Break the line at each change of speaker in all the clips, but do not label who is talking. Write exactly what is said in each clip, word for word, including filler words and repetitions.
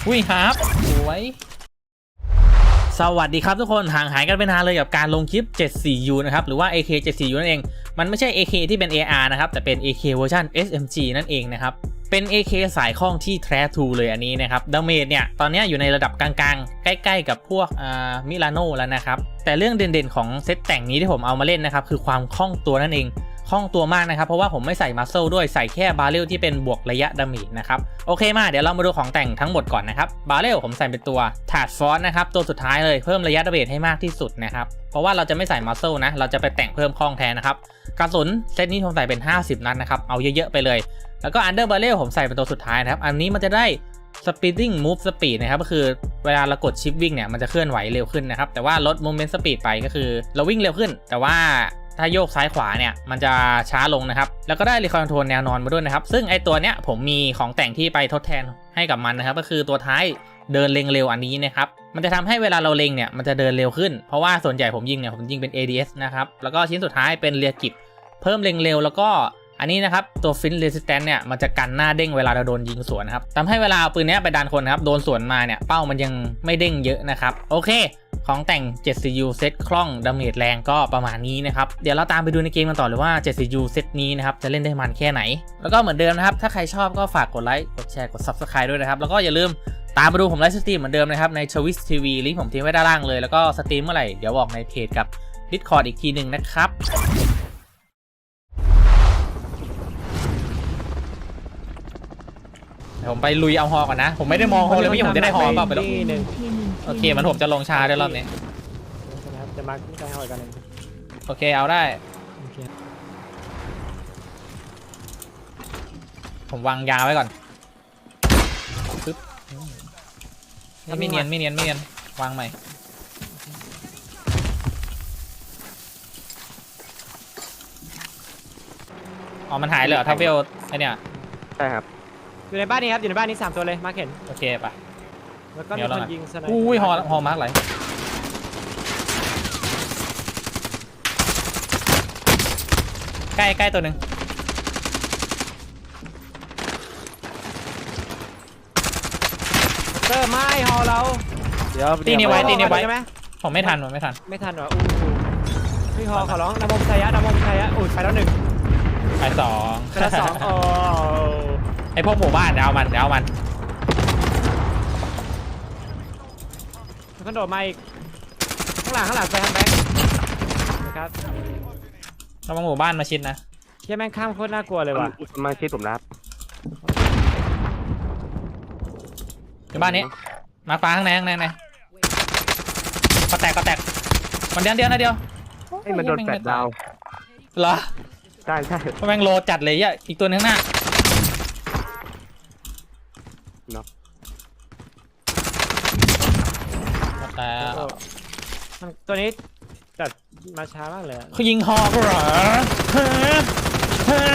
อุ้ยครับสวยสวัสดีครับทุกคนห่างหายกันไปนานเลยกับการลงคลิป เจ็ดสี่ยู นะครับหรือว่า เอ เค เจ็ดสี่ยู นั่นเองมันไม่ใช่ เอ เค ที่เป็น เอ อาร์ นะครับแต่เป็น เอ เค เวอร์ชัน เอส เอ็ม จี นั่นเองนะครับเป็น เอ เค สายคล้องที่แท้ทรูเลยอันนี้นะครับดาเมจเนี่ยตอนนี้อยู่ในระดับกลางๆใกล้ๆกับพวกอ่ามิลานโนแล้วนะครับแต่เรื่องเด่นๆของเซตแต่งนี้ที่ผมเอามาเล่นนะครับคือความคล่องตัวนั่นเองคล่องตัวมากนะครับเพราะว่าผมไม่ใส่มัสเซลด้วยใส่แค่บาเรลที่เป็นบวกระยะดาเมจนะครับโอเคมาเดี๋ยวเรามาดูของแต่งทั้งหมดก่อนนะครับบาเรลผมใส่เป็นตัวถาดฟอสนะครับตัวสุดท้ายเลยเพิ่มระยะดาเมจให้มากที่สุดนะครับเพราะว่าเราจะไม่ใส่มัสเซลนะเราจะไปแต่งเพิ่มคล่องแทนนะครับกระสุนเซตนี้ผมใส่เป็นห้าสิบนัดนะครับเอาเยอะๆไปเลยแล้วก็อันเดอร์บาเรลผมใส่เป็นตัวสุดท้ายนะครับอันนี้มันจะได้ speeding move speed นะครับก็คือเวลาเรากดชิปวิ่งเนี่ยมันจะเคลื่อนไหวเร็วขึ้นนะครับแต่ว่าลด movement speed ไปก็คือเราวิ่งเร็วขึ้นแต่ว่าถ้าโยกซ้ายขวาเนี่ยมันจะช้าลงนะครับแล้วก็ได้รีคอนโทรลแนวนอนมาด้วยนะครับซึ่งไอตัวเนี้ยผมมีของแต่งที่ไปทดแทนให้กับมันนะครับก็คือตัวท้ายเดินเร็งเร็วอันนี้นะครับมันจะทำให้เวลาเราเล็งเนี่ยมันจะเดินเร็วขึ้นเพราะว่าส่วนใหญ่ผมยิงเนี่ยผมยิงเป็น เอ ดี เอส นะครับแล้วก็ชิ้นสุดท้ายเป็นเรียกิบเพิ่มเร็งเร็วแล้วก็อันนี้นะครับตัวฟินเรสิสแตนต์เนี่ยมันจะกันหน้าเด้งเวลาเราโดนยิงสวนนะครับทำให้เวลาเอาปืนนี้ไปดันคนนะครับโดนสวนมาเนี่ยเป้ามันยังไม่เด้งเยอะนะครับโอเคของแต่ง เจ็ด ซี ยู เซตคล่องดาเมจแรงก็ประมาณนี้นะครับเดี๋ยวเราตามไปดูในเกมกันต่อเลยว่า เจ็ด ซี ยู เซตนี้นะครับจะเล่นได้มันแค่ไหนแล้วก็เหมือนเดิมนะครับถ้าใครชอบก็ฝากกดไลค์กดแชร์กด ซับสไครบ์ ด้วยนะครับแล้วก็อย่าลืมตามมาดูผมไลฟ์สตรีมเหมือนเดิมนะครับใน ชวิส ที วี ลิงก์ผมทิ้งไว้ด้านล่างเลยแล้วก็สตรีมเมื่อไหร่เดี๋ยวบอกในเพจกับ Discord อีกทีหนึ่งนะครับผมไปลุยเอาฮอก่อนนะผมไม่ได้มองฮอเลยไม่ใช่ผมจะได้ฮอเปล่าไปแล้วโอเคมันผมจะลงชาด้วยรอบนี้
จะมาขึ้นใจฮอกันหนึ่ง
โอเคเอาได้ผมวางยาไว้ก่อนปึ๊บไม่เนียนไม่เนียนไม่เนียนวางใหม่อ๋อมันหายเลยเหรอทัฟเวลไอเนี่ย
ใช่ครับอยู่ในบ้านนี้ครับอยู่ในบ้านนี้สามตัวเลยมาร์คเห็น
โอเคปะ
แล้วก็มีคนยิงสไนเปอร์
อุ้ยฮอฮอมาร์คไหลใกล้ใกล้ตัวหนึ่ง
เตอร์ไม่ฮอเรา
เดี๋ยวตีนี่ไว้ตีนี่ไว้ใช่ไหมผมไม่ทันผมไม่ทัน
ไม่ทันหรออู้พี่ฮอขอร้องนำมชายะนำมชายะอุ้ยไปแล้วหนึ่ง
ไปสอง
ไปแล้วสองโอ้
ไอพวกหมู่บ้านเดี๋ยวเอามันเดี๋ยวเอามัน
มันก็โดดมาอีกข้างหลังข้างหลังไปทางแบงค์นะครับ
เรามาหมู่บ้านมาชิดนะ
เชี่ยแม่งข้ามโคตรน่ากลัวเลยว่ะ
มาชิดผมรับ
อยู่บ้านนี้มาฟ้าข้างในข้างในไหนก็แตกก็แตกมันเดียวเดียวนะเดียว
ให้มันโดนแฟลชดาว
เหรอ
ใช่ใช่
แม่งโลจัดเลยอ่ะอีกตัวนึงหน้า
เนาะ
แต่
ตัวนี้จัดมาช้ามากเลย
เขายิงฮอก็เหรอฮะฮะ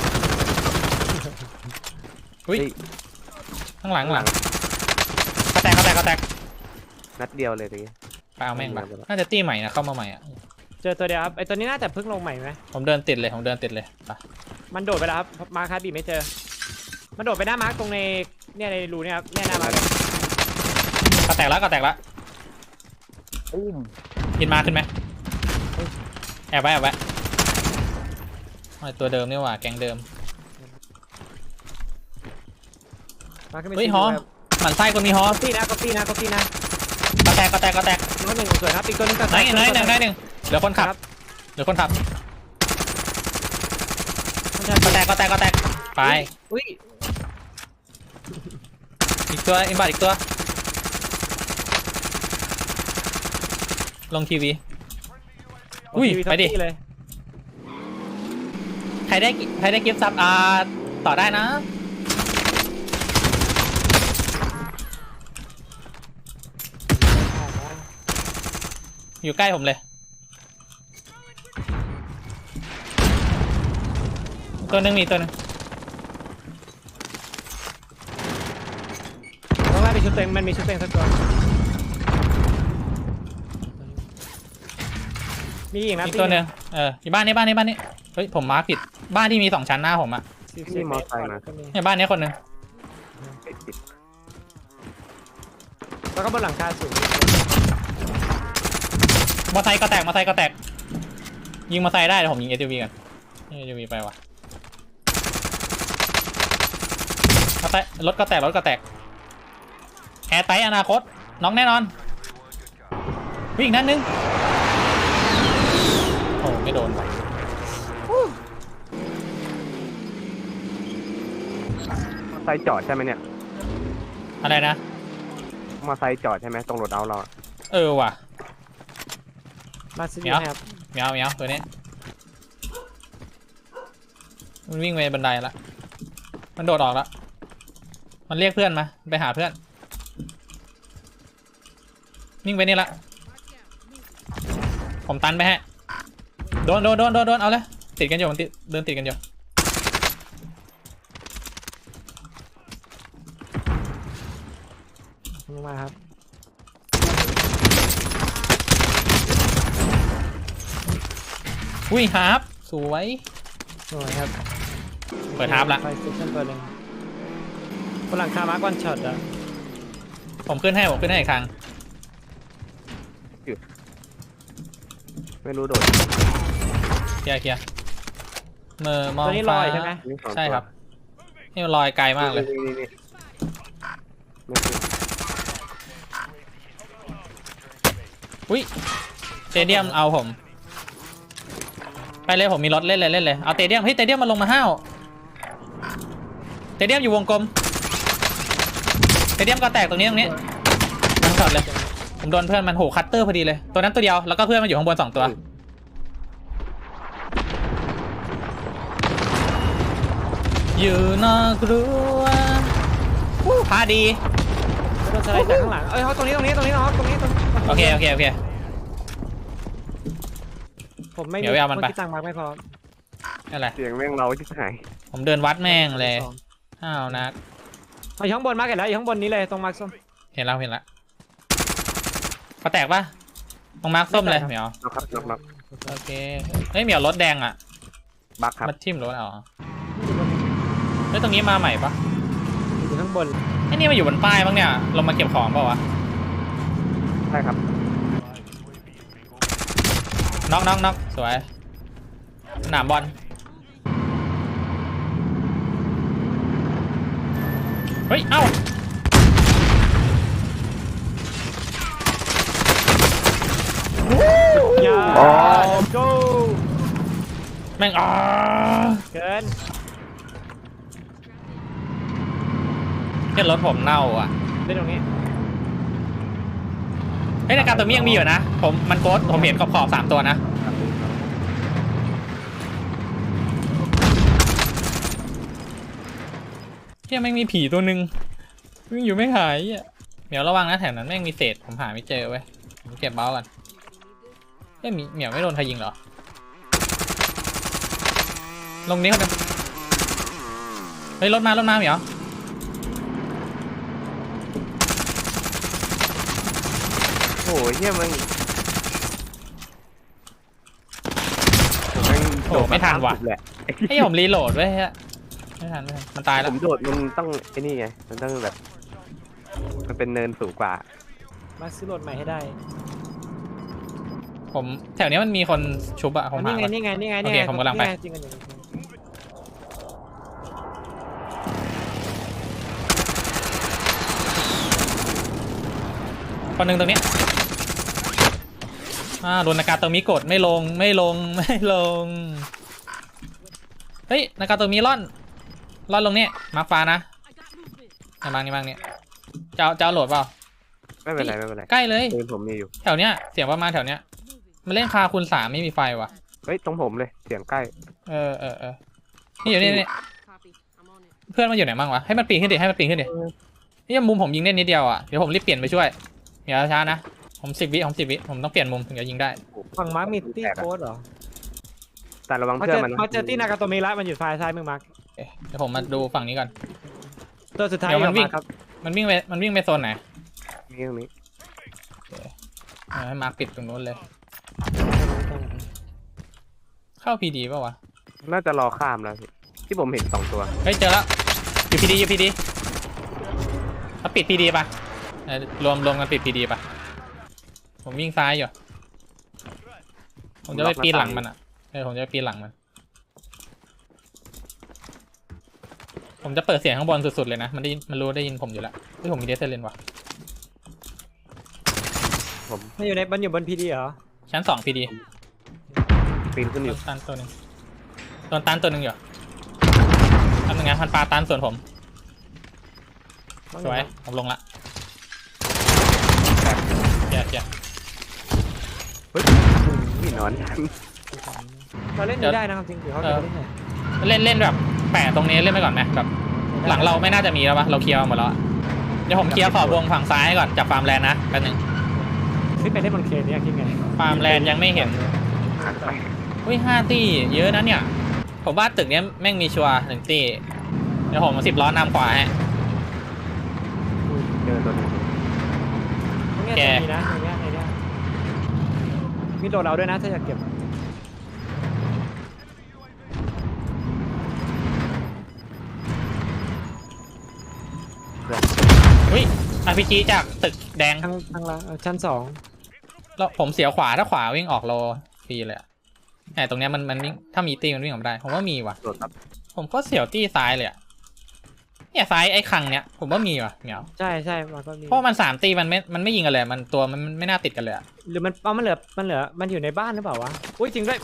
อุ้ยข้างหลังหลังก็แตกก็แตกก็แตก
นัดเดียวเลยที
ไปเอาแม่งมาน่าจะตีใหม่นะเข้ามาใหม่อ่ะ
เจอตัวเดียวครับไอตัวนี้น่าจะเพิ่งลงใหม่ไหม
ผมเดินติดเลยผมเดินติดเลยไป
มันโดดไปแล้วครับมาคาบีไม่เจอมันโดดไปหน้ามาร์กตรงในเนี่ยในรูเนี่ยครับเนี่ยหน้ามาร์ก
ก็แตกแล้วก็แตกแล้วกินมาขึ้นไหมแอบไว้แอบไว้ตัวเดิมนี่หว่าแกงเดิมเฮ้ยฮอหมันไส้คนมีฮอ
ตีนะก็ตีนะก็ตีนะ
ก็แตกก็แตกก็แตก
น้อยหนึ่งสวยครับอีกตัวนึงก็
ไหนไหนหนึ่งไหนหนึ่งเหลือคนขับเหลือคนขับก็แตกก็แตกก็แตกไปอีกตัวอินบัตอีกตัวลงทีวีอุ้ยไปดิใครได้ใครได้กิฟต์ซับอ่าต่อได้นะอยู่ใกล้ผมเลยตัวหนึ่งมีตัวหนึ่ง
เพราะว่ามีชุดเต็งมันมีชุดเต็งสักตัวมีอีกนะ
อีกตัวหนึ่งเอออยู่บ้านนี้บ้านนี้บ้านนี้เฮ้ยผมมาร์คผิดบ้านที่มีสองชั้นหน้าผมอ่ะ
นี่มอไซค์มา
เนี่ยบ้านนี้คนหนึ่ง
แล้วก็บนหลังคาสูง
มอไซค์ก็แตกมอไซค์ก็แตกยิงมอไซค์ได้เดี๋ยวผมยิง เอส ยู วี กัน เอส ยู วี ไปว่ะมอไซค์รถก็แตกรถก็แตกแอร์ไตอนาคตน้องแน่นอนวิ่งนั่นนึงโอ้ไม่โดนว่ะ
มอไซค์จอดใช่ไหมเนี่ย
อะไรนะ
มอไซค์จอดใช่ไหมตรงรถเอาเราอะ
เออว่ะ
มาซื้อ
เดี๋ยว
ครับ
เมียวเมียวตัวนี้มันวิ่งไปบันไดละมันโดดออกละมันเรียกเพื่อนมาไปหาเพื่อนวิ่งไปนี่ละผมตันไปฮะโดนโดนโดนโดนโดนเอาเลยติดกันอยู่มันติดเดินติดกันอยู่
ลงมาครับ
อุ้ยฮาร์ปสวย
สวยครับ
เปิดฮาร์ปละ
ไฟสเตชันเปิดเลยบนหลังคามาร์กวันช็อตอะ
ผมขึ้นให้ผมขึ้นให้อีกครั้ง
ไม่รู้โดด
เคลียร์เคลียร์เมื่อมอง
ตัวนี้ล
ฟ้า
อยใช่ไหม
นี่สองตัว
ใช่ครับนี่มันลอยไกลมากเลย
นี่นี่นี่ไม่คือ
อุ้ยเตเดียมเอาผมไปเลยผมมีรถเล่นเลยเล่นเลยเอาเตเดียมเฮ้ยเตเดียมมันลงมาห้าวเตเดียมอยู่วงกลมเตเดียมก็แตกตรงนี้ตรงนี้นั่งช็อตเลยผมโดนเพื่อนมันโหคัตเตอร์พอดีเลยตัวนั้นตัวเดียวแล้วก็เพื่อนมันอยู่ข้างบนสองตัวอยู่นอกรั้ววู้พาดี
โดนสไลด์จากข้างหลังเอ้ยเขาตรงนี้ตรงนี้ตรงนี้นะครับตรงนี้ตรงนี้
โอเคโอเคโอเค
ผมไม่
เดี๋ยวไปเอามันไป
ที่ตั้งมาร์กไม่พอ
นั่นแหละ
เสียงแม่งเราที่หาย
ผมเดินวัดแม่งเลยห้าวนัก
เอาอยู่ข้างบนมาร์กเห็นแล้วอยู่ข้างบนนี้เลยตรงมาร์กส้ม
เห็นแล้วเห็นแล้วก็แตกปะตรงมาร์คส้มเลยเหมียว
น็อกครับน็อกน็อก
โอเคเฮ้ยเหมียวรถแดงอ่ะ
บักครับ
มาทิ่มรถเอาเฮ้ยตรงนี้มาใหม่ปะ
อยู่ข้างบน
ไอ้นี่มาอยู่บนป้ายบ้างเนี่ยลงมาเก็บของเปล่าวะ
ใช่ครับ
น็อกน็อกน็อกสวยหนามบอลเฮ้ยเอ้าย
า go
แม่งอ๋อ
เกิน
เห็นรถผมเน่าอ่ะ
เล่นตรงนี้
เฮ้ยในการตัวนี้ยังมีอยู่นะผมมันโกดผมเห็นขอบขอบสามตัวนะเฮียแม่งมีผีตัวหนึ่งวิ่งอยู่ไม่หายอ่ะเหมียวระวังนะแถวนั้นแม่งมีเศษผมหาไม่เจอเว้ยผมเก็บเบ้ากันเฮ้ยเหมียวไม่โดนใครยิงเหรอลงนี้คนนึงเฮ้ยรถมารถมาเหมียว
โอ้ยเฮียมึงผมแม่ง
โอ้ไม่ทันว่ะ
สุดแหละ
ไอ้ยผมรีโหลดไว้ฮะไม่ทันไม่ทันมันตายแล้
ผ
ว
มโดดมันต้องไอ้นี่ไงมันต้องแบบ มันเป็นเนินสูงกว่า
มาซื้อรถใหม่ให้ได้
ผมแถวนี้มันมีคนชุบอะผมหา
นี่ไง
ก่อน
นี่ไงนี่ไงนี่
โอ
ไง
เคผมกำลังไป
จริงกันอยู่
คนหนึ่งตรงนี้อ่าโดนนากาโตมิกดไม่ลงไม่ลงไม่ลงเฮ้ยนากาโตมิล่อนล่อนลงเนี่ยมาร์คฟ้านะไอ้บางนี่บางเนี่ยเจ้าเจ้าโหลดเปล่า
ไม่เป็นไรไม่เป็นไร
ใกล้เลย
ปืนผมมีอยู่
แถวเนี้ยเสียงประมาณแถวเนี้ยมันเล่นคาคูณสามไม่มีไฟว่ะ
เฮ้ยตรงผมเลยเสียงใกล้
เออเออเออนี่อยู่นี่นี่เพื่อนมันอยู่ไหนบ้างวะให้มันปีนขึ้นดิให้มันปีนขึ้นดินี่มุมผมยิงได้นิดเดียวอ่ะเดี๋ยวผมรีบเปลี่ยนไปช่วยอย่าช้านะผมสิบวิผมสิบวิผมต้องเปลี่ยนมุมถึงจะยิงได้
ฝั่งมาร์กมีตี้โค้ดเหรอ
แต่ระวัง
เขา
เพื่อ
เจ
น
อ
มันนะ
เขาเจอตี้นากาโตมิระมันอยู่ฝ่ายซ้ายมือมาร์ก
เอ๊ะเดี๋ยวผมมาดูฝั่งนี้ก่อน
ตัวสุดท้าย
เดี๋ยวมันวิ่ง
ออกาครับ
มันวิ่งไปมันวิ่งไปโซนไหน
มีตรงนี้
เอาให้มาร์คปิดตรงนู้นเลยเข้าพีดีป่าวะ
น่าจะรอข้ามแล้วพี่ที่ผมเห็นสองตัว
เฮ้ยเจอแล้วอยู่พีดีอยู่พีดีเอาปิดพีดีป่ะเอ่อรวมรวมกันปิดพีดีปะผมวิ่งซ้ายอยู่ผมจะไปปีนหลังมันอ่ะเออผมจะไปปีนหลังมันผมจะเปิดเสียงข้างบนสุดๆเลยนะมันได้ยินมันรู้ได้ยินผมอยู่แล้วเฮ้ยผมมีเดซเซเลนว่ะ
ผม
มันอยู่ในมันอยู่บนพีดีเหรอ
ชั้นสองพีดี
ปีนขึ้นอ
โด
ยู่
นตันตัวหนึ่งโดนตันตัวหนึ่งอยู่ทำยังไงพันปลาตันส่วนผมสวยผมลงละเจียเจีย
เฮ้ยนี่นอน
เราเล่นนี้ได้นะครับจริงหรือเขาจะเล่นไหน
เล่นเล่นแบบแปะตรงนี้เล่นไปก่อนไหมแบบหลังเราไม่น่าจะมีแล้วปะเราเคลียร์หมดแล้วอะเดี๋ยวผมเคลียร์ขอบวงฝั่งซ้ายก่อนจากฟาร์มแลนด์นะแป๊บนึง
ขึ้นไปเล่นบนเคเนี่ยคิดไง
ฟาร์มแลนด์ยังไม่เห็น
หันไป
อุ้ยห้าตี้เยอะนะเนี่ยผมว่าตึกเนี้ยแม่งมีชัวร์หนึ่งตี้เดี๋ยวผมสิบล้อนำขวาฮะ
เจอตัวหนึง
ตรงเนี้ยจะมีนะในเนี้ยในเนี้ยมีโดดเราด้วยนะถ้าอยากเก็บ
เพื่อน
อุ้ยอาร์พีจีจากตึกแดง
ทางทางละชั้นสอง
แล้วผมเสียขวาถ้าขวาวิ่งออกโลฟรีเลยอะแต่ตรงเนี้ยมันมันวิ่งถ้ามีตีมันวิ่งออกมาได้ผมว่ามีว่ะ
โดดครับ
ผมก็เสียวตี้ซ้ายเลยอะเนี่ยซ้ายไอ้คังเนี้ยผมว่ามีว่ะเหมียว
ใช่ใช่มันก็มี
เพราะมันสามตีมันไม่มันไม่ยิงกันเลยมันตัวมันไม่น่าติดกันเลยอะ
หรือมันเอามันเหลือมันเหลือมันอยู่ในบ้านหรือเปล่าวะอุ้ยจริงด้วย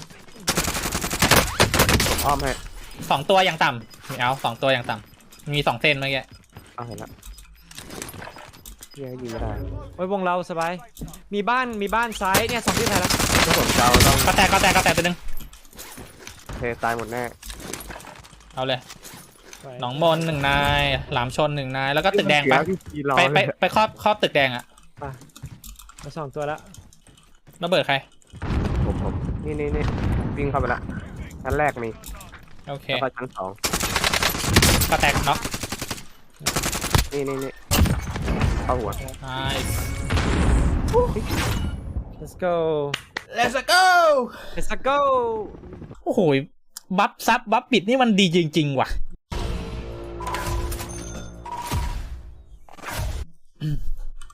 ผมอ้อมให้
สองตัวอย่างต่ำเหมียวสองตัวอย่างต่ำมีสองเส้นเมื่อกี้
เอาเห็นละเหี้ยังยิงไม่ได้
โอ้ยวงเราสบายมีบ้านมีบ้านซ้ายเนี่ยสองที่ไทยแล้ว
ถ้าผมเจ้าต้อง
ก็แตกก็แตกก็แตกตัวหนึง
เทตายหมดแน่
เอาเลยหนองมนหนึ่งนายหลามชนหนึ่งนายแล้วก็ตึกแดงไป
เสียพี่รอ
ไปไป
เลย
ไปครอบครอบตึกแดงอะ
มาสองตัวแล้ว
ระเบิดใคร
ผมผมนี่นี่นี่วิ่งเข้าไปละชั้นแรกมี
โอเค
แล้วก็ชั้นสอง
ก็แตกน็อก
นี่นี่นี่เข้าหัว
นาย
let's go
let's go
let's go
โอ้โหบัฟซับบัฟปิดนี่มันดีจริงๆว่ะ